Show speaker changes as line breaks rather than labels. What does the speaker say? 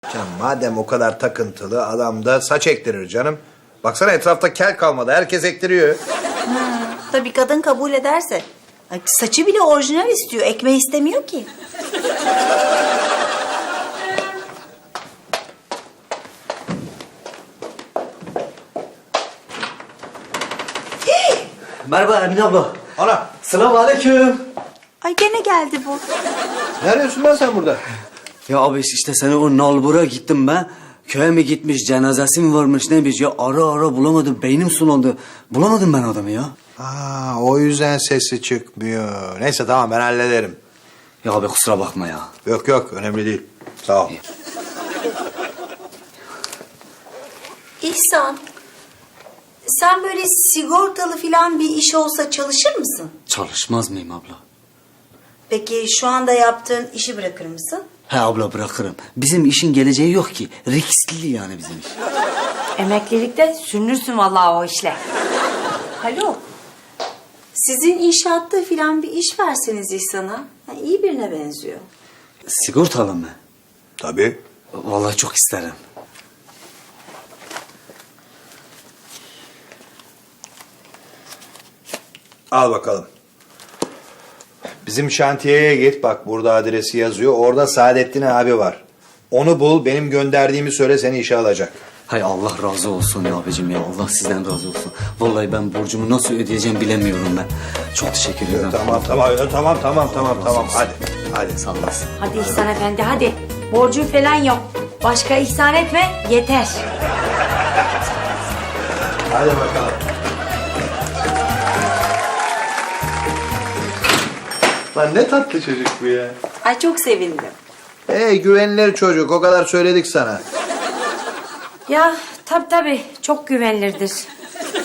Canım madem o kadar takıntılı adam da saç ektirir canım. Baksana etrafta kel kalmadı. Herkes ektiriyor.
Tabii kadın kabul ederse. Ay, saçı bile orijinal istiyor. Ekmeği istemiyor ki.
Merhaba Emine abla.
Ana
Selamun aleyküm.
Ay gene geldi bu.
ne arıyorsun lan sen burada?
Ya abi işte seni o nalbura gittim ben. Köye mi gitmiş, cenazesi mi varmış neymiş ya ara bulamadım. Beynim sulandı. Bulamadım ben adamı ya.
Aa, o yüzden sesi çıkmıyor. Neyse tamam ben hallederim.
Ya abi kusura bakma ya.
Yok yok önemli değil. Sağ ol.
İhsan, sen böyle sigortalı falan bir iş olsa çalışır mısın?
Çalışmaz mıyım abla?
Peki şu anda yaptığın işi bırakır mısın?
He abla bırakırım. Bizim işin geleceği yok ki. Riskli yani bizim iş.
Emeklilikte sürünürsün vallahi o işle.
Alo. Sizin inşaatta falan bir iş verseniz İhsan'a. Ha, iyi birine benziyor.
Sigortalı mı?
Tabii.
Vallahi çok isterim.
Al bakalım. Bizim şantiyeye git. Bak burada adresi yazıyor. Orada Saadettin abi var. Onu bul. Benim gönderdiğimi söyle seni işe alacak.
Hay Allah razı olsun ya abicim ya. Allah sizden razı olsun. Vallahi ben borcumu nasıl ödeyeceğim bilemiyorum ben. Çok teşekkür ederim.
Tamam. Hadi.
Sağ olasın.
Hadi İhsan Efendi hadi. Borcun falan yok. Başka ihsan etme yeter.
Hadi bakalım. Lan ne tatlı çocuk bu ya.
Ay çok sevindim.
Güvenilir çocuk. O kadar söyledik sana.
Ya tabii çok güvenilirdir.